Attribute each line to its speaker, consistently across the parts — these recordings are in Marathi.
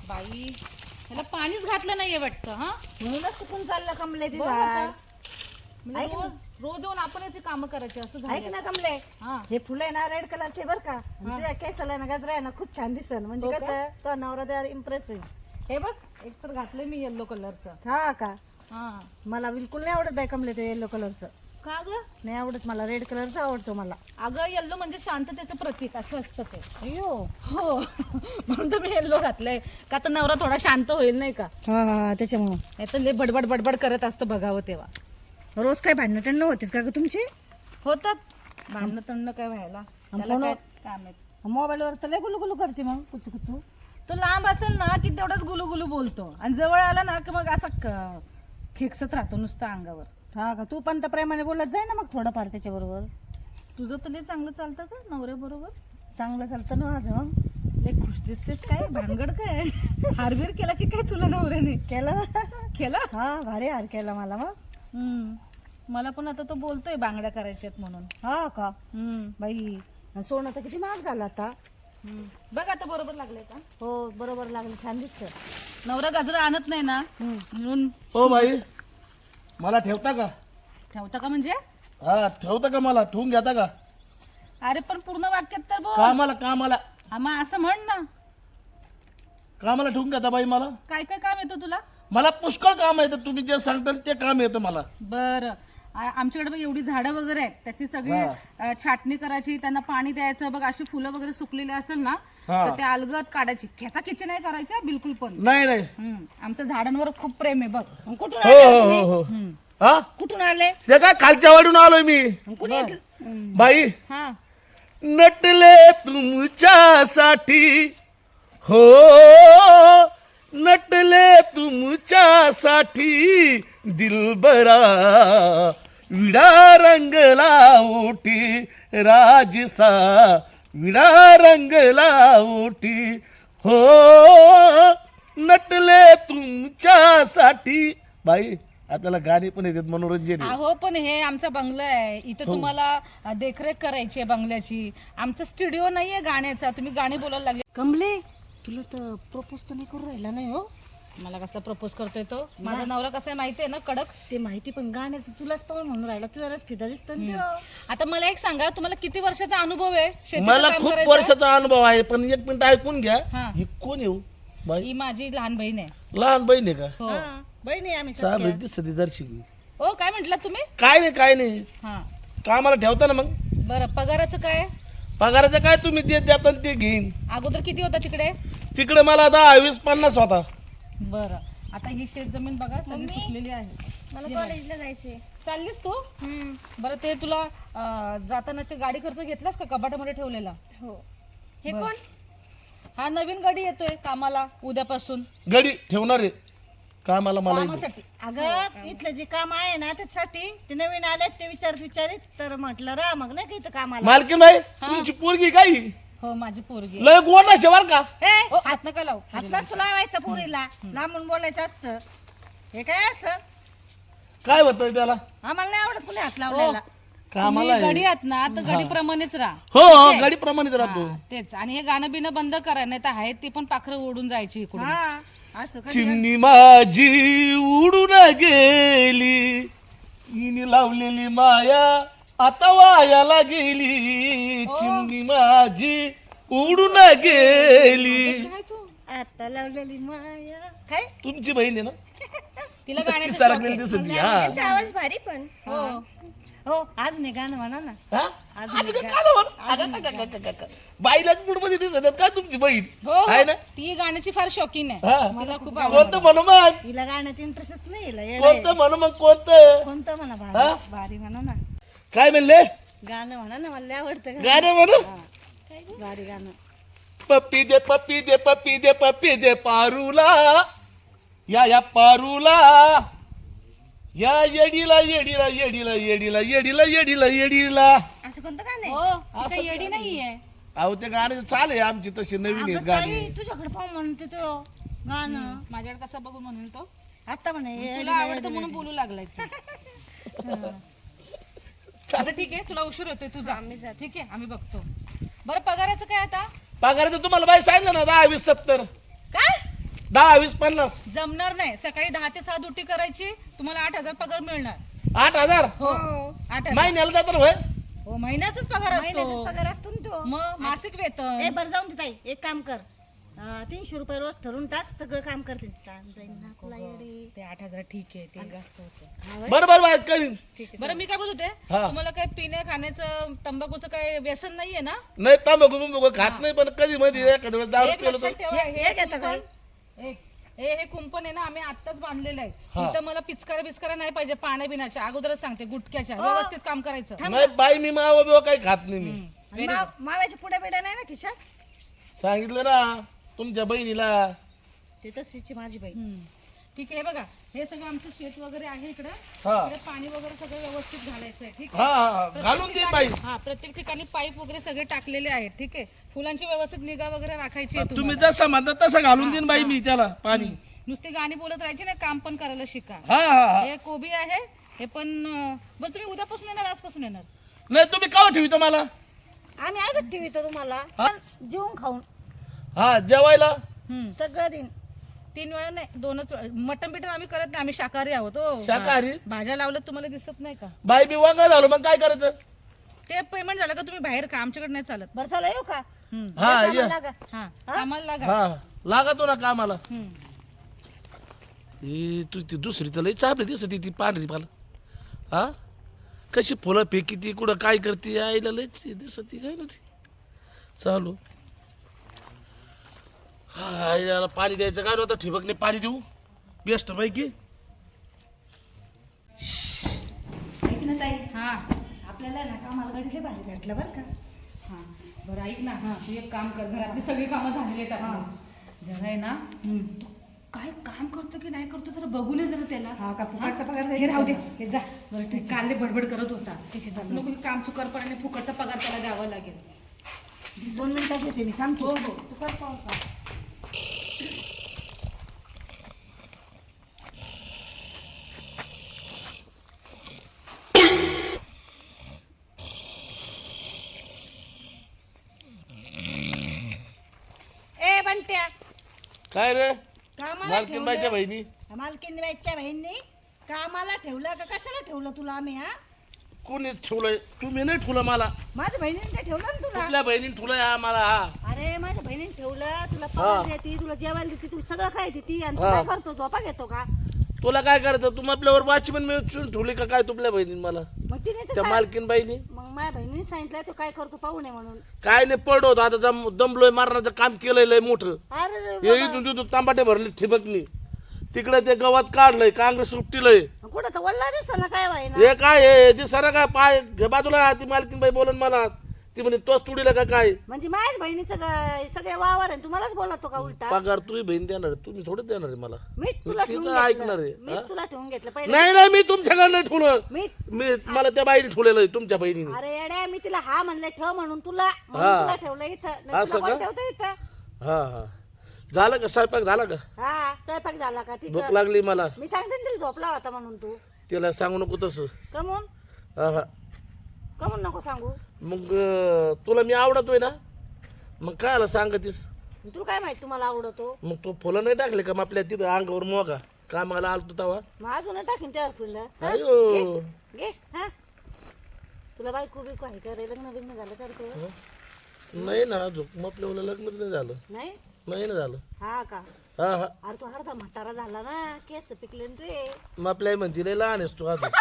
Speaker 1: बाई त्याला पाणीच घातलं नाहीये वाटतं. हा
Speaker 2: म्हणूनच सुकून चाललं कमले ते
Speaker 1: बघ
Speaker 2: झाड.
Speaker 1: आता. म्हणजे रोज रोज येऊन आपण याचे काम करायचे असं
Speaker 2: ऐक
Speaker 1: झालं.
Speaker 2: ना कमले,
Speaker 1: हा
Speaker 2: हे फुलं आहे ना रेड कलरचे बर का. तुझ्या केसाला ना गजरा आहे ना खूप छान दिसल. म्हणजे
Speaker 1: हो का?
Speaker 2: कसं तो नवरा त्यावर इम्प्रेस होईल.
Speaker 1: हे बघ एक तर घातलंय मी येल्लो कलरचं.
Speaker 2: हा का?
Speaker 1: हा
Speaker 2: मला बिलकुल नाही आवडत बाई कमले ते येलो कलरचं.
Speaker 1: का ग?
Speaker 2: नाही आवडत मला, रेड कलरचा आवडतो मला.
Speaker 1: अगं येल्लो म्हणजे शांततेचं प्रतीक असं असतं ते.
Speaker 2: अयो
Speaker 1: हो म्हणून तर मी येल्लो घातलंय का तर नवरा थोडा शांत होईल नाही का.
Speaker 2: हा हा त्याच्यामुळं.
Speaker 1: नाही तर लय बडबड बडबड करत असतं बघावं तेव्हा.
Speaker 2: रोज काय भांडणं टंडणं होते का ग तुमचे?
Speaker 1: होतात भांडणं तंडणं काय व्हायला त्याला काय काम आहे.
Speaker 2: मोबाईलवर तर लय गुलू गुलू करते मग कुचू कुचू.
Speaker 1: तो लांब असेल ना की तेवढाच गुलू गुलू बोलतो आणि जवळ आला ना की मग असा खेकसत राहतो नुसतं अंगावर.
Speaker 2: हा का? तू पण तर प्रेमाने बोलत जाय ना मग थोडंफार त्याच्याबरोबर.
Speaker 1: तुझं तर लय चांगलं चालतं का नवऱ्याबरोबर?
Speaker 2: चांगलं चालतं ना माझं मग.
Speaker 1: लय खुश दिसतेस काय भानगड काय हारबीर केला की काय तुला नवऱ्याने
Speaker 2: केलं.
Speaker 1: केला.
Speaker 2: हा भारी हार केला मला मग.
Speaker 1: मला पण आता तो बोलतोय बांगड्या करायच्यात म्हणून.
Speaker 2: हा का?
Speaker 1: हम्म.
Speaker 2: बाई सोनं तर किती महाग झालं आता.
Speaker 1: बघ आता बरोबर लागलंय का?
Speaker 2: हो बरोबर लागलं, छान दिसतं.
Speaker 1: नवरा गजरा आणत नाही ना म्हणून.
Speaker 3: हो बाई, मला ठेवता का?
Speaker 1: ठेवता का म्हणजे?
Speaker 3: हा ठेवता का? मला ठेवून घेता का?
Speaker 1: अरे पण पूर्ण वाक्यात तर बोल.
Speaker 3: कामाला कामाला
Speaker 1: मग असं म्हण ना.
Speaker 3: कामाला ठेवून घेता बाई मला.
Speaker 1: काय काय काम येतं तुला?
Speaker 3: मला पुष्कळ काम येतं, तुम्ही जे सांगता ते काम येतं मला.
Speaker 1: बरं आमच्याकडे बघ एवढी झाडं वगैरे आहेत, त्याची सगळी छाटणी करायची, त्यांना पाणी द्यायचं. बघ अशी फुलं वगैरे सुकलेली असेल ना तर ते अलगद काढायची. खेचाखेची नाही करायची हा, बिलकुल पण.
Speaker 3: नाही नाही.
Speaker 1: आमचं झाडांवर खूप प्रेम आहे बघ.
Speaker 2: मग कुठून
Speaker 3: हो
Speaker 2: आले
Speaker 3: हो
Speaker 2: तुम्ही?
Speaker 3: हो हो. हा
Speaker 2: कुठून आले?
Speaker 3: ते काय खालच्या वाडून आलोय मी.
Speaker 2: मग कुणी
Speaker 3: बाई
Speaker 1: हा
Speaker 3: नटले तुमच्यासाठी, हो नटले तुमच्यासाठी दिलबरा, विडा रंगला ओटी राजसा, विडा रंगला ओटी, हो नटले तुमच्यासाठी. बाई आपल्याला गाणी पण येतात, मनोरंजन आहे.
Speaker 1: अहो पण हे आमचा बंगला आहे, इथं तुम्हाला देखरेख करायची आहे बंगल्याची. आमचा स्टुडिओ नाहीये गाण्याचा. तुम्ही गाणी बोलायला लागले.
Speaker 2: कमले तुला तर प्रपोज तर नाही करू राहिला नाही हो?
Speaker 1: मला कसला प्रपोज करतोय तो? माझा नवरा कसा आहे माहितीये ना, कडक.
Speaker 2: ते माहिती, पण गाण्याचं तुलाच पाहून म्हणून राहिला. तुझा रस फिदा दिसतो ना तो.
Speaker 1: आता मला एक सांगा, तुम्हाला किती वर्षाचा अनुभव आहे शेतीचं
Speaker 3: मला
Speaker 1: काम
Speaker 3: खूप
Speaker 1: करायचा?
Speaker 3: वर्षाचा अनुभव आहे, पण एक मिनिट ऐकून घ्या.
Speaker 1: हा.
Speaker 3: ही कोण येऊ बाई?
Speaker 1: ही माझी लहान बहीण आहे.
Speaker 3: लहान बहीण आहे का?
Speaker 1: हो
Speaker 2: हा, बहिणी आम्ही
Speaker 3: साहेब दिसत जरशी.
Speaker 1: हो काय म्हटलं तुम्ही?
Speaker 3: काय नाही काय नाही.
Speaker 1: हा
Speaker 3: कामाला ठेवता ना मग.
Speaker 1: बरं पगाराचं काय?
Speaker 3: पगाराचं काय तुम्ही देत देता ते घेईन.
Speaker 1: अगोदर किती होता तिकडे?
Speaker 3: तिकडे मला आता 20-50 होता.
Speaker 1: बरं आता ही शेत जमीन बघा सगळी सुकलेली आहे.
Speaker 2: मला कॉलेजला जायचंय.
Speaker 1: चाललीस तू? बरं ते तुला जातानाची गाडी खर्च घेतलास का कपाटामध्ये ठेवलेला?
Speaker 2: हो.
Speaker 1: हे कोण? हा नवीन गाडी येतोय कामाला उद्यापासून.
Speaker 3: गडी ठेवणार आहे कामाला मला.
Speaker 1: कामासाठी.
Speaker 2: अगं इथलं जे काम आहे ना त्याच्यासाठी ते नवीन आलेत, ते विचारित तर म्हटलं रा मग नाही का इथं कामाला.
Speaker 3: मालकीन बाई तुमची पोरगी काय
Speaker 1: हो माझी पोरगी.
Speaker 3: लय गोड ना शेवाल का?
Speaker 1: ओ हात नका लावू.
Speaker 2: हातलाच तुला लावायचं पुरीला, लांबून बोलायचं असतं. हे काय असं?
Speaker 3: काय होतं त्याला?
Speaker 2: आम्हाला नाही आवडत तुला हात लावलेला.
Speaker 3: कामाला
Speaker 1: तुम्ही गडी आहात ना तर गडी प्रमाणेच राहा.
Speaker 3: हो हो गाडी प्रमाणित राहतो.
Speaker 1: हा, तेच. आणि हे गाणं बिणं बंद करा, नाही तर आहेत ती पण पाखरं ओढून जायची इकडून.
Speaker 2: हा असं का?
Speaker 3: चिमणी माझी उडून गेली, हिने लावलेली माया आता वायाला गेली. चिमणी माझी उडून गेली.
Speaker 1: काय तू?
Speaker 2: आता लावलेली माया. काय?
Speaker 3: तुमची बहीण आहे ना?
Speaker 1: तिला
Speaker 3: ती
Speaker 1: गाण्याचं
Speaker 3: सरकलेली दिसत ती, हा.
Speaker 2: आवाज भारी पण.
Speaker 1: हो
Speaker 2: हो आज नाही गाणं म्हणा ना.
Speaker 3: हा? अगं, काय झालं बरं? अगं, काय. बाईलाच मूडमध्ये दिसत आहेत काय तुमची बहीण
Speaker 1: हो
Speaker 3: आहे ना?
Speaker 1: ती गाण्याची फार शौकीन आहे.
Speaker 3: हा.
Speaker 1: तिला खूप
Speaker 3: कोणतं म्हणू मग?
Speaker 2: हिला गाण्यात इंटरेस्टच नाही. हिला येडं आहे.
Speaker 3: कोणतं म्हणू मग? कोणतं
Speaker 2: कोणतं म्हणा
Speaker 3: हा?
Speaker 2: भारी भारी म्हणा ना.
Speaker 3: काय म्हणले?
Speaker 2: गाणं म्हणा ना, मला लय आवडतं गाणं.
Speaker 3: गाणं म्हणू?
Speaker 2: भारी गाणं.
Speaker 3: पप्पी दे पप्पी दे पप्पी दे पप्पी दे पारूला, या पारूला, या येडीला येडीला येडीला येडीला येडीला येडीला येडीला.
Speaker 2: असं कोणतं गाणं आहे?
Speaker 1: हो ती काही येडी नाहीये.
Speaker 3: अहो ते गाणे चाल आहे आमची तशी नवीन आहेत
Speaker 2: अगं
Speaker 3: गाणी.
Speaker 2: ताई, तुझ्याकडे पाहून म्हणते तो गाणं.
Speaker 1: माझ्याकडे कसा बघून म्हणून तो
Speaker 2: आता म्हणे
Speaker 1: तुला आवडतं म्हणून बोलू लागलाय तू. बरं ठीक आहे, तुला उशीर होतोय तुझा. ठीक आहे आम्ही बघतो. बरं पगाराचं काय आता?
Speaker 3: पगाराचं तुम्हाला बाई सांगितलं ना 10-20-70.
Speaker 1: काय
Speaker 3: 10, 20, 50.
Speaker 1: जमणार नाही. सकाळी 10 ते 6 ड्युटी करायची, तुम्हाला 8,000 पगार मिळणार.
Speaker 3: 8,000
Speaker 1: हो 8,000.
Speaker 3: महिन्याला जातो होय.
Speaker 1: हो महिन्याचाच पगार
Speaker 2: महिन्याचाच
Speaker 1: असतो.
Speaker 2: पगार असतो ना तो.
Speaker 1: मग मासिक वेतन.
Speaker 2: ए बरं जाऊन दे ताई, एक काम कर, 300 रुपये रोज ठरवून टाक, सगळं काम करते. ताण जाईन ना तुला येडे.
Speaker 1: ते 8,000 ठीक आहे, ते जास्त होतं.
Speaker 3: बरोबर करीन.
Speaker 1: बरं मी काय बोलत होते,
Speaker 3: हा.
Speaker 1: तुम्हाला काय पिण्या खाण्याचं तंबाखूचं काय व्यसन नाहीये ना?
Speaker 3: नाही तांबाखू खात नाही, पण कधी मध्ये एखाद्या वेळेस दारू
Speaker 1: एक
Speaker 3: पिलो
Speaker 1: लक्षात
Speaker 3: तर
Speaker 1: ठेवा,
Speaker 2: हे घेता का?
Speaker 1: हे कुंपण आहे ना, आम्ही आत्ताच बांधलेलं आहे. इथं मला पिचकारा नाही पाहिजे पाण्या बिण्याच्या. अगोदरच सांगते, गुटख्याच्या. व्यवस्थित काम करायचं.
Speaker 3: नाही बाई मी मावा बिवा काही खात नाही मी.
Speaker 2: आणि माव्याच्या पुढे बिड्या नाही ना खिशात?
Speaker 3: सांगितलं ना तुमच्या बहिणीला.
Speaker 2: ते तशीची माझी बाई.
Speaker 1: ठीक आहे. बघा हे सगळं आमचं शेत वगैरे आहे इकडं.
Speaker 3: हा
Speaker 1: इकडे पाणी वगैरे सगळं व्यवस्थित घालायचं आहे. ठीक
Speaker 3: हा
Speaker 1: आहे.
Speaker 3: हा, घालून दे बाई.
Speaker 1: हा प्रत्येक ठिकाणी पाईप वगैरे सगळे टाकलेले आहेत. ठीक आहे. फुलांची व्यवस्थित निगा वगैरे राखायची आहे
Speaker 3: तुम्ही
Speaker 1: तुम्हाला.
Speaker 3: जसं म्हणता तसं घालून देईन बाई मी त्याला पाणी.
Speaker 1: नुसती गाणी बोलत राहायची ना, काम पण करायला शिका.
Speaker 3: हा हा हा.
Speaker 1: हे कोबी आहे, हे पण बरं तुम्ही उद्यापासून येणार, आजपासून येणार?
Speaker 3: नाही तुम्ही का ठेवतो मला?
Speaker 2: आम्ही आजच ठेवितो तुम्हाला, पण जेवून खाऊन
Speaker 3: हा जेवायला
Speaker 2: सगळं दिन.
Speaker 1: 3 वेळा नाही, 2च वेळा. मटण बिटन आम्ही करत नाही, आम्ही शाकाहारी आहोत. हो.
Speaker 3: शाकाहारी?
Speaker 1: भाज्या लावल्यात तुम्हाला दिसत नाही का?
Speaker 3: बाई मी वागा झालो मग काय करायचं?
Speaker 1: ते पेमेंट झालं का तुम्ही बाहेर का? आमच्याकडे नाही चालत.
Speaker 2: बरं चला येऊ का?
Speaker 3: हा
Speaker 2: कामाला
Speaker 3: ये.
Speaker 2: लागा.
Speaker 1: हा कामाला लागा.
Speaker 3: हा लागतो ना कामाला.
Speaker 1: हम्म.
Speaker 3: तू ती दुसरी तर लई चापली दिसती ती पांढरी मला. हा कशी फुलं फेकी ती कुठं काय करते आईला लई दिसती काय ना ती चालू. हा याला पाणी द्यायचं काय नव्हतं, ठिबकने पाणी देऊ बेस्ट पैकी.
Speaker 2: ऐक ना ताई,
Speaker 1: हा
Speaker 2: आपल्याला ना कामाला गाडीला भारी भेटलं बरं का.
Speaker 1: हा बरं ऐक ना, तू एक काम कर, घरातली सगळी कामं झालेली आहेत आपली. जरा आहे ना, तू काय काम करतो की नाही करतो जरा बघू नये जरा त्याला.
Speaker 2: हा का, फुकटचा पगार
Speaker 1: हे
Speaker 2: द्यायचा
Speaker 1: राहू दे,
Speaker 2: का?
Speaker 1: हे जा. बरं ठीक, काल बडबड करत होता. ठीक आहे, असं नको की काम चुकारपणाने फुकटचा पगार त्याला द्यावा लागेल.
Speaker 2: 2 मिनिटात येते मी, थांब.
Speaker 1: हो हो.
Speaker 2: तू कर पाऊस का? ए बंट्या,
Speaker 3: काय रे
Speaker 2: कामाला
Speaker 3: मालकीनबाईच्या
Speaker 2: ठेवलं.
Speaker 3: बहिणी
Speaker 2: मालकीनबाईच्या बहिणी कामाला ठेवलं का कशाला ठेवलं तुला आम्ही? हा,
Speaker 3: कोणी ठेवलंय? तुम्ही नाही ठेवलं मला.
Speaker 2: माझ्या बहिणीने ते ठेवलं ना तुला.
Speaker 3: कुठल्या बहिणीने ठेवलंय आम्हाला? हा
Speaker 2: अरे माझ्या बहिणीने ठेवलं, तुला पगार देते, तुला जेवायला देते, तुला सगळं काय देते, आणि तू काय करतो? झोपा घेतो का?
Speaker 3: तुला काय करायचं? तू आपल्यावर वाचमन मिळून ठेवली का काय तुपल्या बहिणीने मला?
Speaker 2: मग तिने ते
Speaker 3: त्या मालकीन बाईनी
Speaker 2: मग माझ्या बहिणीने सांगितलं तो काय करतो पाहू नये म्हणून.
Speaker 3: काय नाही पडलो होतो आता दमलोय, मारण्याचं काम केलंय लय मोठं.
Speaker 2: अरे
Speaker 3: हे इथून तिथून तांबाटे भरले ठिबकनी, तिकडे ते गवत काढलंय, काँग्रेस उपटीलंय.
Speaker 2: कुठं तर वडला दिसत ना काय बाई ना.
Speaker 3: हे काय हे ते सर काय पाय घे बाजूला. ती मालकीन बाई बोलन मला, ती म्हणे तोच तुडीला का काय?
Speaker 2: म्हणजे माझ्या बहिणीचं सगळे वावर आहे, तुम्हालाच बोलतो का उलटा?
Speaker 3: पगार तुम्ही बहीण देणार आहे, तुम्ही थोडं देणार आहे मला.
Speaker 2: मीच तुला ठेवून
Speaker 3: तिचं ऐकणार आहे.
Speaker 2: घेतलं, मीच तुला ठेवून घेतलं पहिले.
Speaker 3: नाही नाही मी तुमच्याकडनं ठेवलं.
Speaker 2: मी
Speaker 3: मी मला त्या बाईने ठेवलेलं आहे तुमच्या बहिणीने.
Speaker 2: अरे येड्या, मी तिला हा म्हणले ठेव म्हणून तुला ठेवलं इथं. नाही
Speaker 3: असं
Speaker 2: तुला कोण
Speaker 3: का?
Speaker 2: ठेवतं इथं?
Speaker 3: हा हा झालं का स्वयंपाक झाला का?
Speaker 2: हा स्वयंपाक झाला का? ठीक
Speaker 3: भूक लागली मला.
Speaker 2: मी सांगते ना तिला झोपला होता म्हणून. तू
Speaker 3: तिला सांगू नको तसं.
Speaker 2: कमून
Speaker 3: हा हा
Speaker 2: कमून नको सांगू.
Speaker 3: मग तुला मी आवडतोय ना, मग काय आला सांगतीस?
Speaker 2: तुला काय माहित तुम्हाला आवडतो?
Speaker 3: मग तो फुलं नाही टाकले का मग आपल्या तिथं अंगावर मोगा कामाला आलतो तवा?
Speaker 2: मग अजून टाकीन त्यावर फुलं.
Speaker 3: अयो
Speaker 2: घे. हा तुला बायको बिको आहे का रे? लग्न बिग्न झालं का रे तुझं?
Speaker 3: नाही ना अजून मग आपल्या लग्नच नाही झालं.
Speaker 2: नाही
Speaker 3: नाही ना झालं.
Speaker 2: हा का?
Speaker 3: हा हा
Speaker 2: अरे तू अर्धा म्हातारा झाला ना, केस पिकले ना तुझे.
Speaker 3: मग आपल्या म्हणती लय लहान आहेस तू अजून.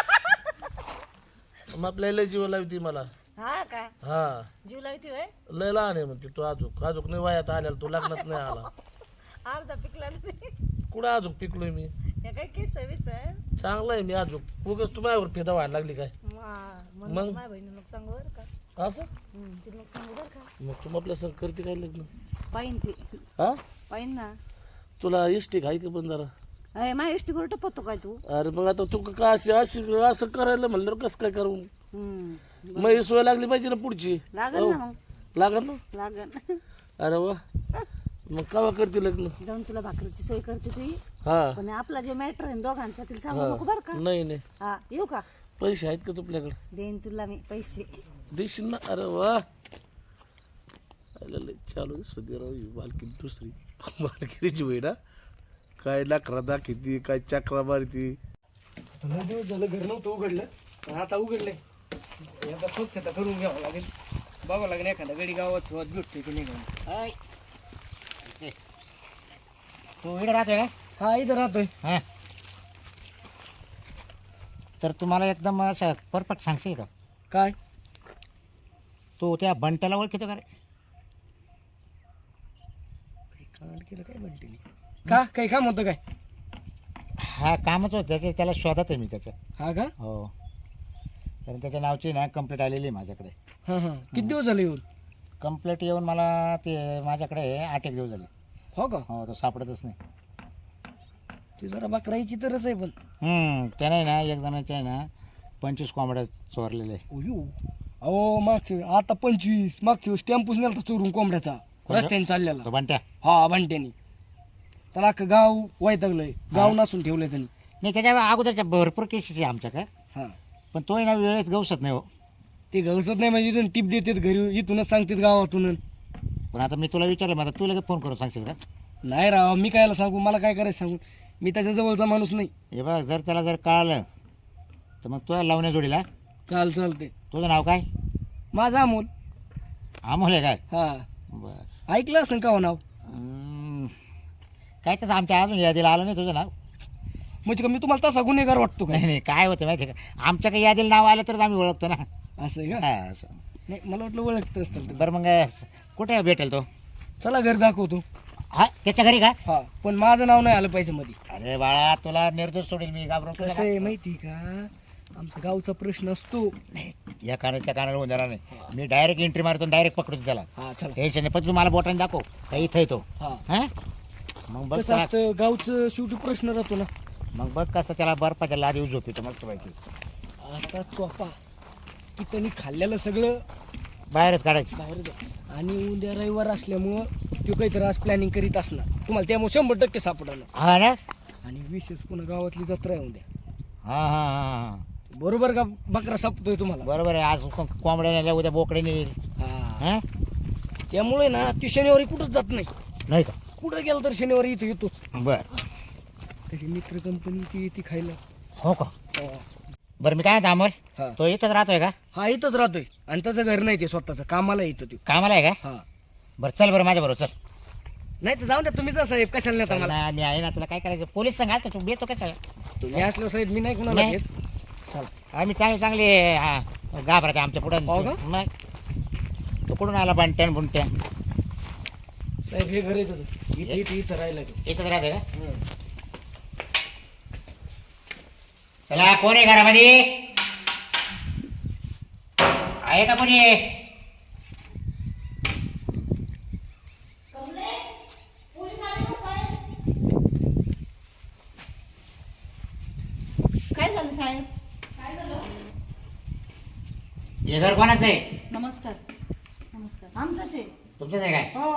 Speaker 3: मग आपल्या लय जीव लावती मला.
Speaker 2: हा का?
Speaker 3: हा
Speaker 2: जीव लावती होय?
Speaker 3: लय लहान आहे म्हणते तू अजून. अजून नाही वयात आल्याला तू लग्नात नाही आला.
Speaker 2: अर्धा पिकला ना ते.
Speaker 3: कुठं अजून पिकलोय मी?
Speaker 2: हे काय केस विस आहे?
Speaker 3: चांगलं आहे मी अजून. उगाच तू माझ्यावर फेदा व्हायला लागली काय?
Speaker 2: मग
Speaker 3: मग?
Speaker 2: माझ्या बहिणी मग सांगू बरं का.
Speaker 3: असं
Speaker 2: तिला मग सांगू बरं का.
Speaker 3: मग तू आपल्या संग करते काय लग्न?
Speaker 2: पाहिन ती
Speaker 3: हा
Speaker 2: पाहिन ना.
Speaker 3: तुला इष्टिक आहे का पण जरा?
Speaker 2: अरे माझ्या इष्टी करून टपतो काय तू?
Speaker 3: अरे मग आता तू का अशी अशी असं करायला म्हणलं कसं काय करू?
Speaker 2: हम्म.
Speaker 3: मग ही सोय लागली पाहिजे ना पुढची.
Speaker 2: लागल ना मग.
Speaker 3: लागल ना?
Speaker 2: लागल.
Speaker 3: अरे वा मग केव्हा करते लग्न?
Speaker 2: जाऊन तुला भाकरीची सोय करते तुझी.
Speaker 3: हा
Speaker 2: पण आपला जो मॅटर आहे दोघांचा तिला सांगू नको बरं का.
Speaker 3: नाही नाही
Speaker 2: हा येऊ का?
Speaker 3: पैसे आहेत का तुझ्याकडे?
Speaker 2: देईन तुला मी पैसे.
Speaker 3: देशील ना? अरे वा चालू सध्या राहू मालकी दुसरी मालकीची होई ना. काय लाकडा दाखवती काय चक्रा मारती.
Speaker 4: लय दिवस झालं घर नव्हतं उघडलं पण आता उघडलंय. एकदा स्वच्छता करून घ्यावं लागेल. बघावं लागेल एखादा गडी गावात ठेवत भेटतोय की नाही गावात.
Speaker 5: तू इकडे राहतोय का?
Speaker 4: हा इथं राहतोय.
Speaker 5: हां. तर तुम्हाला एकदम असं परफेक्ट सांगशील का?
Speaker 4: काय
Speaker 5: तू त्या बंट्याला ओळखतो का रे?
Speaker 4: काल केलं काय म्हणते का काही काम होतं काय?
Speaker 5: हा कामच होतं त्याचं, त्याला शोधत आहे मी त्याचं.
Speaker 4: हा का?
Speaker 5: हो. कारण त्याच्या नावची ना कंप्लेंट आलेली आहे माझ्याकडे.
Speaker 4: हा हा किती दिवस झाले येऊन?
Speaker 5: कंप्लेंट येऊन मला ते माझ्याकडे 8 एक दिवस झाले.
Speaker 4: हो का?
Speaker 5: हो तो सापडतच नाही.
Speaker 4: ती जरा बकराईची तरच आहे पण.
Speaker 5: त्याने ना एक जणाच्या आहे ना 25 कोंबड्या चोरलेले.
Speaker 4: अयो अहो मागच्या आता 25 मागच्या वेळेस टेम्पूस नेलता चोरून कोंबड्याचा रस्त्याने चाललेला.
Speaker 5: तो बंट्या
Speaker 4: हा भांट्यानी त्याला अख्खं गाव वैतागलंय. गाव नसून ठेवलंय त्यांनी.
Speaker 5: नाही, त्याच्या अगोदरच्या भरपूर केसेस आहे आमच्याकडे.
Speaker 4: हा
Speaker 5: पण तोही ना वेळेत गवसत नाही हो.
Speaker 4: ते घरचत नाही म्हणजे इथून टिप देतात घरी इथूनच सांगतात गावातून.
Speaker 5: पण आता मी तुला विचारलं मग आता तू लगेच फोन करून सांगशील का?
Speaker 4: नाही राव मी कायला सांगू मला काय करायचं सांगू. मी त्याच्या जवळचा माणूस नाही.
Speaker 5: हे बघ जर त्याला जर कळालं तर मग तुला लावण्या जोडीला.
Speaker 4: काल चालते.
Speaker 5: तुझं नाव काय?
Speaker 4: माझा अमोल.
Speaker 5: अमोल आहे काय?
Speaker 4: हा
Speaker 5: बरं.
Speaker 4: ऐकलं असं का हो नाव?
Speaker 5: काय तसं आमच्या अजून यादीला आलं नाही तुझं नाव.
Speaker 4: म्हणजे का मी तुम्हाला तसा गुन्हेगार वाटतो का?
Speaker 5: नाही नाही, काय होतं माहिती आहे का, आमच्या काही यादीला नाव आलं तरच आम्ही ओळखतो ना.
Speaker 4: असं आहे का?
Speaker 5: हा असं.
Speaker 4: नाही मला वाटलं ओळखत असतं ते.
Speaker 5: बरं मग कुठे भेटेल तो?
Speaker 4: चला घर दाखवतो.
Speaker 5: हा त्याच्या घरी का?
Speaker 4: हा पण माझं नाव नाही आलं पाहिजे मध्ये.
Speaker 5: अरे बाळा तुला निर्दोष सोडेल मी, घाबरून
Speaker 4: कसं आहे माहिती का आमचा गावचा प्रश्न असतो.
Speaker 5: या कानाच्या कानाला होऊन जाणार नाही. मी डायरेक्ट एंट्री मारतो डायरेक्ट पकडतो त्याला.
Speaker 4: हा चला.
Speaker 5: टेन्शन नाही. पण तू मला बोटाने दाखव का इथं येतो.
Speaker 4: हा
Speaker 5: हा मग बघ
Speaker 4: कसं असतं गावचं शेवटी प्रश्न राहतो ना.
Speaker 5: मग बघ कसं त्याला बर्फाच्या लादी झोपितो मस्त माहिती.
Speaker 4: असा चोपा की त्यांनी खाल्लेलं सगळं
Speaker 5: बाहेरच काढायचं.
Speaker 4: बाहेर जा. आणि उद्या रविवार असल्यामुळं तो काहीतरी आज प्लॅनिंग करीत असणार. तुम्हाला त्यामुळे 100% सापडणार.
Speaker 5: हा ना.
Speaker 4: आणि विशेष पुन्हा गावातली जत्रा आहे उद्या.
Speaker 5: हा हा हा हा
Speaker 4: बरोबर का बकरा सापतोय तुम्हाला?
Speaker 5: बरोबर आहे. आज कोंबड्या नेल्या उद्या बोकडे नेईल.
Speaker 4: हा
Speaker 5: हा
Speaker 4: त्यामुळे ना ती शनिवारी कुठंच जात नाही.
Speaker 5: नाही का?
Speaker 4: कुठं गेलं तर शनिवारी इथं येतोच.
Speaker 5: बरं.
Speaker 4: त्याची मित्र कंपनी ती येते खायला.
Speaker 5: हो का? बरं मी काय म्हणतो अमोल,
Speaker 4: हा
Speaker 5: तो इथंच राहतोय का?
Speaker 4: हा इथंच राहतोय. आणि त्याचं घर नाही ते स्वतःचं कामाला येतं ते.
Speaker 5: कामाला आहे का?
Speaker 4: हा
Speaker 5: बरं चल बरं माझ्या बरोबर चल.
Speaker 4: नाही तर जाऊन द्या तुम्हीच साहेब कशाला नेता मला.
Speaker 5: ना, मी आहे ना. तुला काय करायचं पोलीस सांगा तू येतो का?
Speaker 4: तुम्ही असलो साहेब मी नाही कुणाला
Speaker 5: नाही.
Speaker 4: घेत. चला
Speaker 5: आम्ही चांगले घाबरते आमच्या पुढं.
Speaker 4: हो का?
Speaker 5: मग तो कुठून आला बंट्यान बुंट्या?
Speaker 4: साहेब हे घर आहे त्याचं. इथं राहिलं ते.
Speaker 5: इथंच राहते का? चला कोण आहे घरामध्ये? आहे का कोणी?
Speaker 2: काय झालं साहेब?
Speaker 5: हे घर कोणाचं आहे?
Speaker 1: नमस्कार. नमस्कार.
Speaker 2: आमचंच आहे.
Speaker 5: तुमचंच आहे काय?
Speaker 2: हो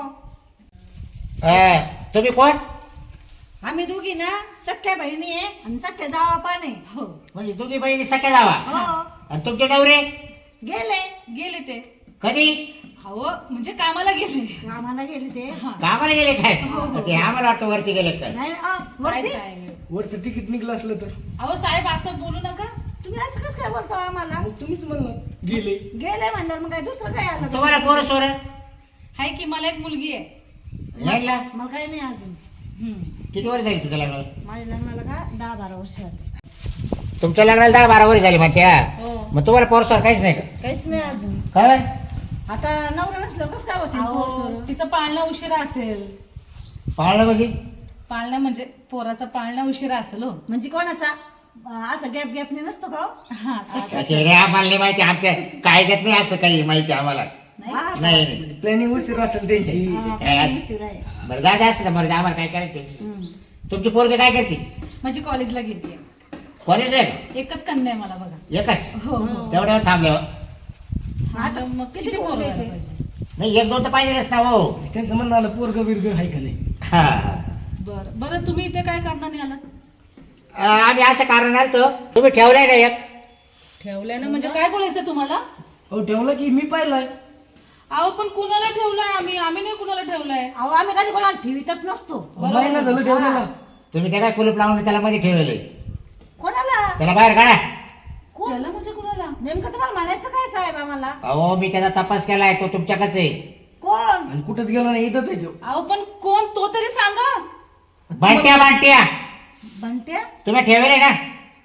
Speaker 5: तुम्ही कोण?
Speaker 2: आम्ही दोघी ना सख्या बहिणी आहे आणि सख्या जावा पण आहे.
Speaker 1: हो
Speaker 5: म्हणजे दोघी बहिणी सख्या जावा.
Speaker 2: हो
Speaker 5: आणि तुमचे नवरे
Speaker 2: गेले.
Speaker 1: गेले ते.
Speaker 5: कधी?
Speaker 1: हो म्हणजे कामाला गेले.
Speaker 2: आम्हाला गेले ते.
Speaker 5: कामाला गेले काय? ते आम्हाला वाटतं वरती गेले काय?
Speaker 2: नाही
Speaker 1: काय
Speaker 2: वरती
Speaker 1: साहेब?
Speaker 4: वरचं तिकीट निघलं असलं तर
Speaker 1: अहो साहेब असं बोलू नका.
Speaker 2: तुम्ही आज कसं काय बोलतो आम्हाला?
Speaker 4: मग तुम्हीच म्हणलं गेले.
Speaker 2: गेले म्हणल्यावर मग काय दुसरं काय आलं?
Speaker 5: तुम्हाला पोरं सोर
Speaker 1: हाय की मला एक मुलगी आहे.
Speaker 5: लागला?
Speaker 2: मला काही नाही अजून.
Speaker 5: किती वर्ष झाली तुझ्या लग्नाला?
Speaker 2: माझ्या लग्नाला का 10-12 वर्ष झाली.
Speaker 5: तुमच्या लग्नाला 10-12 वर्ष झाली म्हणत्या.
Speaker 2: हो
Speaker 5: मग तुम्हाला पोरं सोर काहीच नाही का?
Speaker 2: काहीच नाही अजून.
Speaker 5: काय?
Speaker 2: आता नवरा नसलं कसं काय होते
Speaker 1: अहो, तिचं पाळणं उशिरा असेल.
Speaker 5: पाळलं म्हणजे?
Speaker 1: पाळणं म्हणजे पोराचा पाळणं उशिरा असेल. हो
Speaker 2: म्हणजे कोणाचा असं गॅप गॅपने नसतो का हो?
Speaker 1: हा तसं.
Speaker 5: असे रे आम्हाला नाही माहिती. आमच्या कायद्यात नाही असं काही माहिती आम्हाला.
Speaker 2: हा,
Speaker 5: नाही नाही.
Speaker 4: म्हणजे प्लॅनिंग उशीर असेल त्यांची.
Speaker 2: हा,
Speaker 5: काय असं?
Speaker 2: उशीर आहे.
Speaker 5: बरं जा असं बरं आम्हाला काय करायचं?
Speaker 2: हम्म.
Speaker 5: तुमची पोरगी काय करते?
Speaker 1: माझी कॉलेजला गेली.
Speaker 5: कॉलेज आहे का?
Speaker 1: एकच कन्या आहे मला बघा.
Speaker 5: एकच?
Speaker 1: हो हो.
Speaker 5: तेवढ्यावर थांबल्यावर
Speaker 1: आता मग
Speaker 2: किती
Speaker 1: किती
Speaker 2: पोरं
Speaker 1: पोरं
Speaker 2: द्यायचे?
Speaker 1: झालं पाहिजे?
Speaker 5: नाही एक दोन तर पाहिजेच ना हो.
Speaker 4: त्यांचं म्हणणं आलं पोरग बिरग आहे का नाही.
Speaker 5: हा.
Speaker 1: बरं बरं तुम्ही इथे काय करणार नाही आलात?
Speaker 5: आम्ही असं कारण आलतो. तुम्ही ठेवलाय ना एक?
Speaker 1: ठेवलंय ना म्हणजे काय बोलायचं तुम्हाला?
Speaker 4: हो ठेवलं की मी पाहिलाय.
Speaker 1: अहो पण कुणाला ठेवलाय? आम्ही नाही कुणाला ठेवलाय.
Speaker 2: अहो आम्ही कधी कोणाला ठेवीतच नसतो.
Speaker 4: महिना झालं ठेवलेला.
Speaker 5: तुम्ही ते काय कुलूप लावून त्याला मध्ये ठेवले,
Speaker 2: कोणाला
Speaker 5: त्याला बाहेर काढा.
Speaker 1: त्याला म्हणजे कुणाला?
Speaker 2: नेमकं तुम्हाला म्हणायचं काय साहेब आम्हाला?
Speaker 5: अहो मी त्याचा तपास केलाय, तो तुमच्याकडे आहे.
Speaker 2: कोण?
Speaker 4: आणि कुठंच गेलो नाही, इथंच आहे तो.
Speaker 1: अहो पण कोण तो तरी सांगा.
Speaker 5: बांट्या बांट्या
Speaker 2: बंट्या?
Speaker 5: तुम्ही ठेवले ना,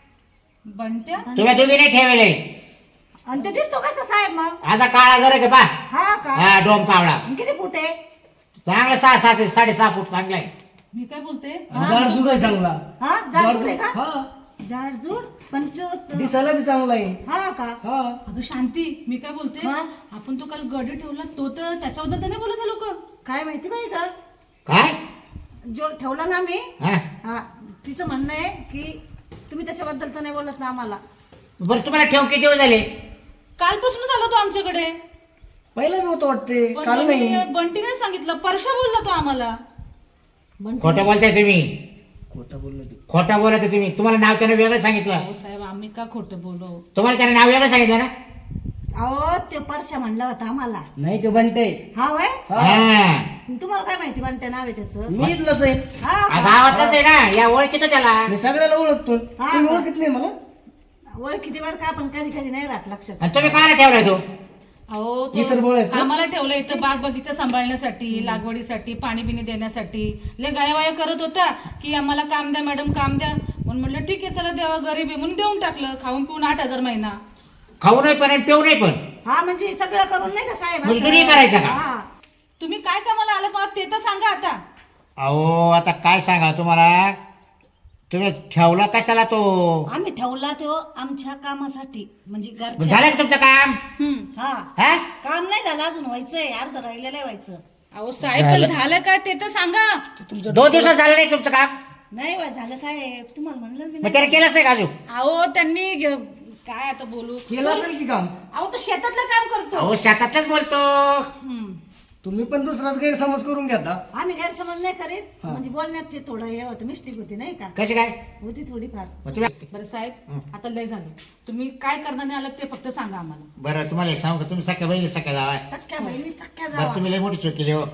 Speaker 1: बंट्या?
Speaker 5: तुम्ही दोघी नाही ठेवले.
Speaker 2: आणि ते दिसतो कसा साहेब मग?
Speaker 5: आता काळा जरा का पा,
Speaker 2: हा का?
Speaker 5: हा डोम कावळा
Speaker 2: आणि किती फूट आहे?
Speaker 5: चांगला 6-6 फूट चांगला आहे.
Speaker 1: मी काय बोलते,
Speaker 4: जाड जुड आहे चांगला.
Speaker 2: हा जाडजूड आहे का?
Speaker 4: हा,
Speaker 2: जाडजूड पण
Speaker 4: दिसायला बी चांगला आहे.
Speaker 2: हा का?
Speaker 4: हा,
Speaker 1: अगं शांती, मी काय बोलते,
Speaker 2: हा?
Speaker 1: आपण तो काल गडी ठेवला तो तर त्याच्याबद्दल तर नाही बोलत लोक.
Speaker 2: काय माहिती बाई का?
Speaker 5: काय
Speaker 2: जो ठेवला ना मी,
Speaker 5: हा
Speaker 2: हा तिचं म्हणणं आहे की तुम्ही त्याच्याबद्दल तर नाही बोलत ना आम्हाला.
Speaker 5: बरं तुम्हाला ठेव किती दिवस झाले?
Speaker 1: कालपासूनच आला तो आमच्याकडे.
Speaker 4: पहिला बी होतो वाटते,
Speaker 1: पण
Speaker 4: काल नाही.
Speaker 1: बंटीने सांगितलं, परशा बोलला तो आम्हाला.
Speaker 5: खोटं बोलताय तुम्ही,
Speaker 4: खोटं बोललो ते.
Speaker 5: खोटं बोलत तुम्ही. तुम्हाला नाव त्यानं वेगळं सांगितलं,
Speaker 1: अहो साहेब, आम्ही का खोटं बोलू?
Speaker 5: तुम्हाला त्यानं नाव वेगळं सांगितलं ना.
Speaker 2: अहो ते परशा म्हणला होता आम्हाला.
Speaker 4: नाही ते बनते.
Speaker 2: हा वय?
Speaker 5: हा
Speaker 2: तुम्हाला काय माहिती बंट्या नाव आहे त्याचं?
Speaker 4: मी इथलंच आहे,
Speaker 2: हा का?
Speaker 5: गावातलंच आहे ना, या ओळखीतो त्याला.
Speaker 4: मी सगळ्याला ओळखतो.
Speaker 2: हा.
Speaker 4: तुम्ही ओळखत नाही मला.
Speaker 2: ओळखीती बरं का, पण कधी कधी नाही राहत लक्षात.
Speaker 5: आणि तुम्ही काय ठेवलाय तो?
Speaker 1: अहो
Speaker 4: ही सर बोळ आहेत
Speaker 1: तो
Speaker 4: का?
Speaker 1: आम्हाला ठेवलं इथं बाग बगीचा सांभाळण्यासाठी, लागवडीसाठी, पाणी बिणी देण्यासाठी. लय गायावाया करत होता की आम्हाला काम द्या मॅडम, काम द्या. म्हणून म्हटलं ठीक आहे चला, देवा गरीब आहे म्हणून देऊन टाकलं. खाऊन पिऊन 8,000 महिना.
Speaker 5: खाऊ नाही पण आणि पिऊ नाही पण.
Speaker 2: हा म्हणजे सगळं करून नाही का साहेब? असं?
Speaker 5: मजुरी करायचं का?
Speaker 2: हा.
Speaker 1: तुम्ही काय कामाला आलं पहा ते तर सांगा आता.
Speaker 5: अहो आता काय सांगा तुम्हाला, तुम्ही ठेवला कशाला तो?
Speaker 2: आम्ही ठेवला तो आमच्या कामासाठी, म्हणजे घरच्या.
Speaker 5: झालं का तुमचं काम?
Speaker 2: हा
Speaker 5: हा
Speaker 2: काम नाही झालं अजून, व्हायचंय, अर्ध राहिलेलं आहे व्हायचं.
Speaker 1: अहो साहेब पण झालं काय ते तर सांगा.
Speaker 5: 2 दिवसात झालं नाही तुमचं काम?
Speaker 2: नाही व्हाय झालं साहेब, तुम्हाला म्हणलं मी
Speaker 5: मग
Speaker 2: नाही.
Speaker 5: त्याने केलंच नाही का अजून?
Speaker 1: अहो त्यांनी काय आता बोलू.
Speaker 4: केलं असेल की काम?
Speaker 1: अहो तो शेतातलं काम करतो.
Speaker 5: अहो शेतातच बोलतो.
Speaker 1: हम्म.
Speaker 4: तुम्ही पण दुसराच गैरसमज करून घेता.
Speaker 2: आम्ही गैरसमज नाही करीत, म्हणजे बोलण्यात ते थोडं हे होतं, मिस्टेक होती नाही का?
Speaker 5: कशी काय?
Speaker 2: होती थोडीफार.
Speaker 5: मग तुम्ही
Speaker 1: बरं साहेब, आता लय झालं. तुम्ही काय करणार नाही आलं ते फक्त सांगा आम्हाला.
Speaker 5: बरं तुम्हाला एक सांगू का, तुम्ही सख्या बहिणी सख्या जावाय.
Speaker 2: सख्या बहिणी सख्या
Speaker 5: बरं
Speaker 2: जावा.
Speaker 5: तुम्ही लय मोठी चूक केली हो.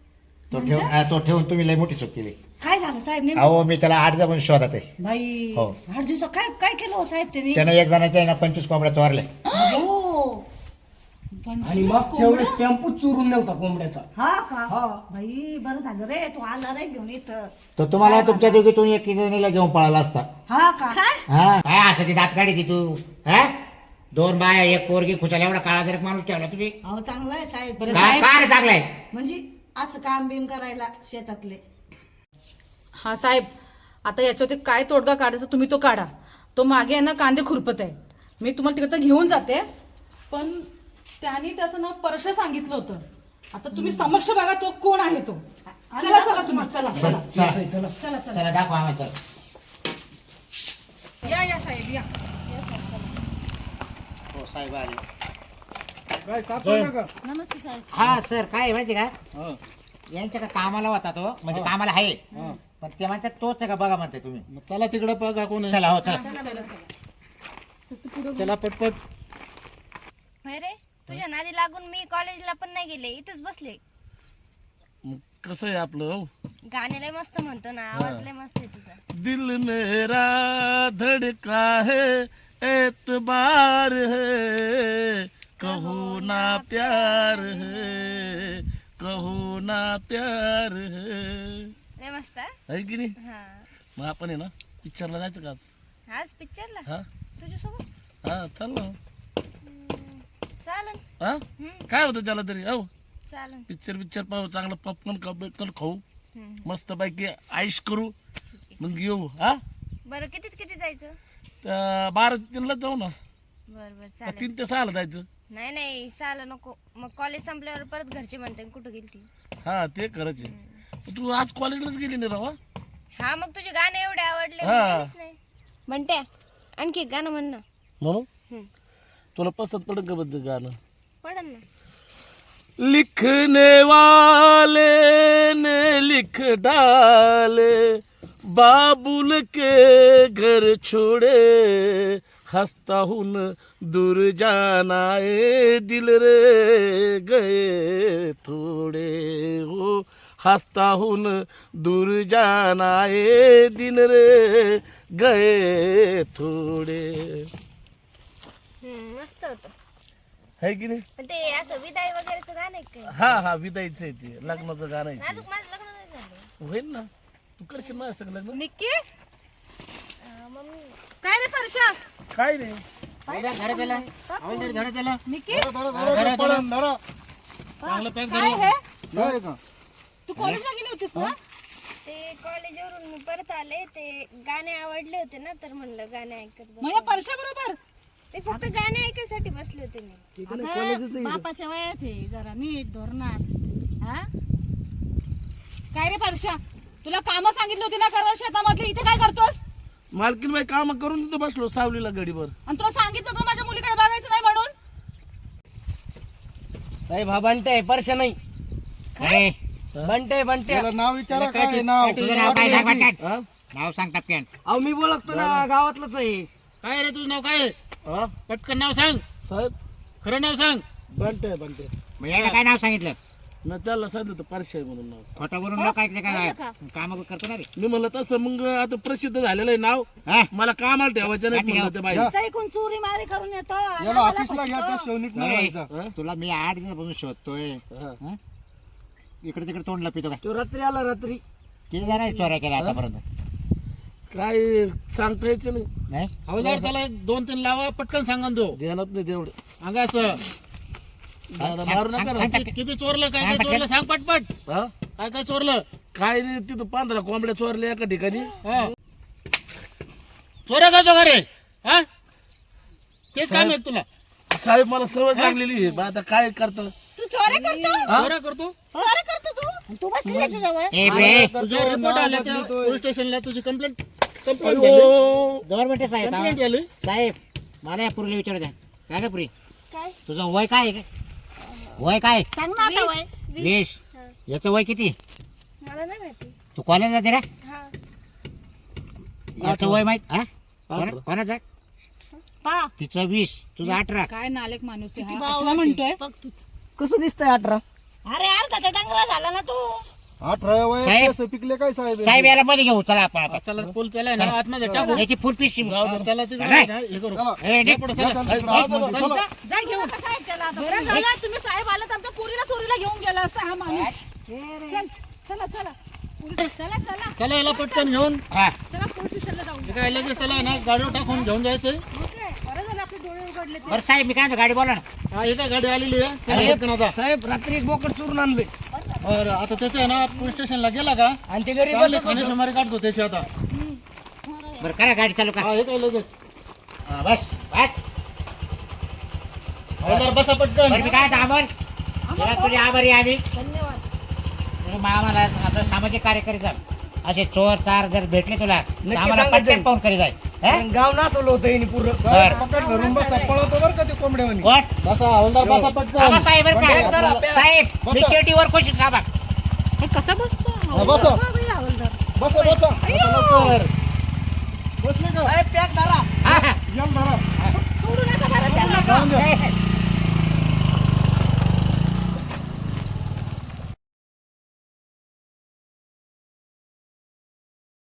Speaker 5: तो ठेवून तुम्ही लय मोठी चूक केली.
Speaker 2: काय झालं साहेब नेमकं?
Speaker 5: अहो मी त्याला 8 जण शोधात आहे.
Speaker 2: भाई
Speaker 5: हो.
Speaker 2: 8 दिवसात काय काय केलं हो साहेब त्यांनी?
Speaker 5: त्यानं एक जणाच्या आहे ना 25 कोंबड्या चोरल्या.
Speaker 2: हो.
Speaker 4: आणि मागच्या वेळेस टेम्पो चोरून नेलता कोंबड्याचा.
Speaker 2: हा का?
Speaker 4: हा.
Speaker 2: भाई बरं झालं रे, तू आला रे घेऊन इथं.
Speaker 5: तो तुम्हाला तुमच्या दोघीतून एक जणीला घेऊन पळाला असता.
Speaker 2: हा का?
Speaker 5: हा काय असं ती दात काढी ती तू? हा 2 बाया 1 पोरगी खुशाला एवढा काळा जर माणूस ठेवला तुम्ही?
Speaker 2: अहो चांगलं आहे साहेब.
Speaker 1: बरं
Speaker 5: काय
Speaker 1: साहेब,
Speaker 5: काय चांगलाय?
Speaker 2: म्हणजे असं काम बिम करायला शेतातले.
Speaker 1: हा साहेब, आता याच्यावरती काय तोडगा काढायचा तुम्ही तो काढा. तो मागे आहे ना कांदे खुरपत आहे. मी तुम्हाला तिकडचं घेऊन जाते, पण त्याने त्याचं नाव परश सांगितलं होतं. आता तुम्ही समक्ष बघा तो कोण आहे तो. चला चला तुम्ही, चला चला
Speaker 5: चला
Speaker 4: चला.
Speaker 1: चला चला.
Speaker 5: चला दाखवा आम्हाला.
Speaker 1: या या साहेब या.
Speaker 5: हो साहेब आले.
Speaker 2: नमस्ते साहेब.
Speaker 5: हा सर काय आहे माहिती का, यांच्या का कामाला होता तो, म्हणजे कामाला आहे, पण ते म्हणतात तोच आहे का बघा म्हणते तुम्ही.
Speaker 6: चला तिकडं बघा कोण आहे.
Speaker 5: चला हो चला.
Speaker 1: चला चला.
Speaker 6: चला पटपट.
Speaker 7: होय रे, तुझ्या नादी लागून मी कॉलेजला पण नाही गेले, इथंच बसले.
Speaker 3: मग कसं आहे आपलं हो?
Speaker 7: गाणे लय मस्त म्हणतो ना, आवाज लय मस्त आहे तुझा.
Speaker 3: दिल मेरा धड़का है, एतबार है, कहो ना प्यार है, कहो ना प्यार है.
Speaker 7: लय मस्त हा?
Speaker 3: आहे की नाही?
Speaker 7: हा.
Speaker 3: मग आपण आहे ना पिक्चरला जायचं का आज?
Speaker 7: आज पिक्चरला
Speaker 3: हा
Speaker 7: तुझ्यासोबत
Speaker 3: हा चल ना.
Speaker 7: चालन.
Speaker 3: हा काय होतं त्याला तरी हो,
Speaker 7: चालन.
Speaker 3: पिक्चर पाहू, चांगलं पॉपकॉर्न खाऊ, मस्त पैकी आईश करू, मग येऊ. हा
Speaker 7: बरं किती जायचं?
Speaker 3: 12-3 जाऊ ना.
Speaker 7: बरं बरं चालेल.
Speaker 3: 3 ते 6 जायचं.
Speaker 7: नाही साला नको, मग कॉलेज संपल्यावर परत घरचे म्हणते कुठं गेली ती.
Speaker 3: हा ते खरंच आहे. तू आज कॉलेजलाच गेली नाही राव.
Speaker 7: हा मग तुझे गाणे एवढे आवडले
Speaker 3: हा.
Speaker 7: म्हणूनच नाही म्हणते. आणखी एक गाणं म्हण ना.
Speaker 3: म्हणून तुला पसंत पडेल का बद्दल गाणं?
Speaker 7: पडन ना.
Speaker 3: लिखने वाले ने लिख डाले, बाबुल के घर छोड़े, हंसता हूँ न दूर जाना ए दिल रे गए थोड़े. हो हंसता हून दूर जाना ये दिन रे गए थोडे.
Speaker 7: मस्त होतं.
Speaker 3: है की नाही?
Speaker 7: पण ते असं विदाई वगैरेचं गाणं आहे काय?
Speaker 3: हा हा विदाईचं आहे ते लग्नाचं गाणं आहे ते.
Speaker 7: अजून माझं लग्न नाही झालं.
Speaker 3: होईल ना तू करशील ना सगळं लग्न.
Speaker 1: निक्की
Speaker 7: मम्मी
Speaker 1: काय रे परशा
Speaker 3: काय नाही
Speaker 5: घरात गेला घरात गेला
Speaker 1: निक्की
Speaker 2: चांगलं
Speaker 1: काय हे तू कॉलेजला गेली होतीस ना?
Speaker 7: ते कॉलेजवरून मी परत आले ते गाणे आवडले होते ना तर म्हणलं गाणे ऐकत बस.
Speaker 1: मग या परशा बरोबर
Speaker 7: ते फक्त गाणे ऐकायसाठी बसले होते मी.
Speaker 2: अगं, बापाच्या वयात आहे जरा नीट धोरणात हा
Speaker 1: काय रे परशा तुला कामं सांगितली होती ना करा शेतामधली इथे काय करतोस?
Speaker 3: मालकीन बाई काम करून तिथं बसलो सावलीला गडीवर.
Speaker 1: आणि तुला सांगितलं होतं माझ्या मुलीकडे बघायचं नाही म्हणून.
Speaker 4: साहेब हा बंटे आहे परशा नाही.
Speaker 5: अरे
Speaker 4: बंटे बंटे
Speaker 6: नाव विचारा काय नाव
Speaker 5: तुझं नाव काय सांग पटकन.
Speaker 4: हा?
Speaker 5: नाव सांग टपक्यान.
Speaker 4: अहो मी बोलतो ना गावातलंच आहे.
Speaker 6: काय रे तुझं नाव काय
Speaker 3: हा?
Speaker 6: पटकन नाव सांग
Speaker 3: साहेब
Speaker 6: खरं नाव सांग
Speaker 3: बनते बनते
Speaker 5: मग याला काय नाव सांगितलं?
Speaker 3: न त्याला सांगितलं होतं परशा आहे म्हणून नाव.
Speaker 5: खोटं बोलून लोक ऐकले काय काम करतो ना रे.
Speaker 3: मी म्हणलं तसं मग आता प्रसिद्ध झालेलं आहे नाव.
Speaker 5: हा?
Speaker 3: मला कामाला ठेवायचं नाही म्हणलं त्या बाई.
Speaker 2: ऐकून चोरी मारी करून येतो
Speaker 6: याला ऑफिसला घ्या त्या शेवणीत नाही
Speaker 5: अरे,
Speaker 6: व्हायचा.
Speaker 5: तुला मी 8 दिवसापासून शोधतोय.
Speaker 3: हा.
Speaker 5: हं? इकडे तिकडे तोंड लपितो काय?
Speaker 4: तो रात्री आला रात्री.
Speaker 5: किती जणांनी चोऱ्या केल्या आतापर्यंत?
Speaker 3: काय सांगता यायचं नाही
Speaker 5: नाही
Speaker 6: हवालदार त्याला 2-3 लावा पटकन सांगा तो
Speaker 3: ध्यानात नाही तेवढं.
Speaker 6: अंगा असं
Speaker 3: दादा, मारू नका ना.
Speaker 5: सांग
Speaker 6: किती चोरलं काय काय चोरलं सांग पटपट
Speaker 3: हा?
Speaker 6: काय काय चोरलं
Speaker 3: काय नाही तिथं 15 कोंबड्या चोरल्या एका ठिकाणी.
Speaker 6: हा चोऱ्या करतो का रे हा तेच काम आहे तुला
Speaker 3: साहेब मला सवय लागलेली आहे. मग आता काय करतं?
Speaker 2: तू चोऱ्या करतो
Speaker 6: चोऱ्या करतो
Speaker 2: चोऱ्या करतो तू तू बसली त्याच्या जवळ
Speaker 5: ए बे
Speaker 6: तुझ्यावर रिपोर्ट आला त्या पोलीस स्टेशनला तुझी कंप्लेंट
Speaker 3: अयो,
Speaker 5: गव्हर्नमेंट साहेब
Speaker 6: कंप्लेंट झाली
Speaker 5: साहेब मला या पुरीला विचारू द्या. काय का पुरी
Speaker 7: काय?
Speaker 5: तुझं वय काय आहे? वय काय?
Speaker 2: सांग ना आता वय
Speaker 5: 20. याचं वय किती?
Speaker 7: मला नाही माहिती.
Speaker 5: तू कॉलेज जाते रे?
Speaker 7: हा
Speaker 5: याचं वय माहित हा? कोणाचं?
Speaker 2: पा
Speaker 5: तिचं 20 तुझं 18.
Speaker 1: काय नालेक माणूस आहे
Speaker 2: किती
Speaker 1: हा.
Speaker 2: बावळट
Speaker 1: 18 म्हणतोय.
Speaker 2: बघ तूच
Speaker 4: कसं दिसतंय 18?
Speaker 2: अरे अर्धा तर डांगरा झाला ना तू
Speaker 6: 18 वय
Speaker 5: साहेब.
Speaker 6: कसं पिकले काय साहेब
Speaker 5: साहेब याला मध्ये घेऊ चला आपण आता.
Speaker 6: चला पूल केलाय ना आतमध्ये टाकू
Speaker 5: याची फुल पीस
Speaker 6: त्याला ते
Speaker 5: नाही.
Speaker 6: हे करू
Speaker 5: ए, निघ.
Speaker 6: पुढं चला.
Speaker 1: जा घेऊन बरं झालं तुम्ही साहेब आला तर आमच्या पोरीला चोरीला घेऊन गेला असता हा माणूस. चल, चला चला चला चला
Speaker 6: चला याला पटकन घेऊन
Speaker 5: हा.
Speaker 1: चला पोलीस स्टेशनला जाऊन
Speaker 6: हे काय लगेच त्याला आहे ना गाडीवर टाकून घेऊन जायचंय
Speaker 1: ओके बरं झालं आपले डोळे उघडले ते.
Speaker 5: बरं साहेब मी काय म्हणतो, गाडी बोला ना.
Speaker 6: हा हे काय गाडी आलेली आहे चला पटकन आता
Speaker 4: साहेब रात्री एक बोकड चोरून आणले
Speaker 6: बरं आता त्याचं आहे ना पोलीस स्टेशनला गेला का
Speaker 4: आणि ते घरी
Speaker 6: चांगले
Speaker 4: बसत
Speaker 6: खाणे
Speaker 4: होतं.
Speaker 6: सुमारे काढतो त्याची आता
Speaker 5: बरं करा गाडी चालू का.
Speaker 6: हा हे काय लगेच
Speaker 5: हा, बस बस.
Speaker 6: हवालदार बसा पटकन
Speaker 5: बरं मी काय म्हणतो, अमर तुला तुझे आभारी आहे आम्ही. तुम्ही आम्हाला असं सामाजिक कार्य करीत जा. असे चोर चार जर भेटले तुला तर आम्हाला
Speaker 4: सांगत
Speaker 5: पटकन
Speaker 4: जाईन.
Speaker 5: फोन करी जाय.
Speaker 4: कारण गाव नासवलं होतं हिने पूर्ण.
Speaker 5: बरं
Speaker 6: पटकन धरून बसा पळवतो बरं का ते कोंबड्यावानी
Speaker 5: कोण?
Speaker 6: बसा हवालदार बसा
Speaker 5: आबा
Speaker 6: पटकन
Speaker 5: साहेब बरं
Speaker 4: बंद करा,
Speaker 5: का
Speaker 4: प्या.
Speaker 5: साहेब मी
Speaker 6: बसा.
Speaker 5: चेटीवर खुश थांबा.
Speaker 1: हे कसा बसतो
Speaker 6: हा, बसा
Speaker 1: बाबा, हे हवालदार.
Speaker 6: बसा बसा बसा लवकर. बसले का
Speaker 4: साहेब पॅक धरा.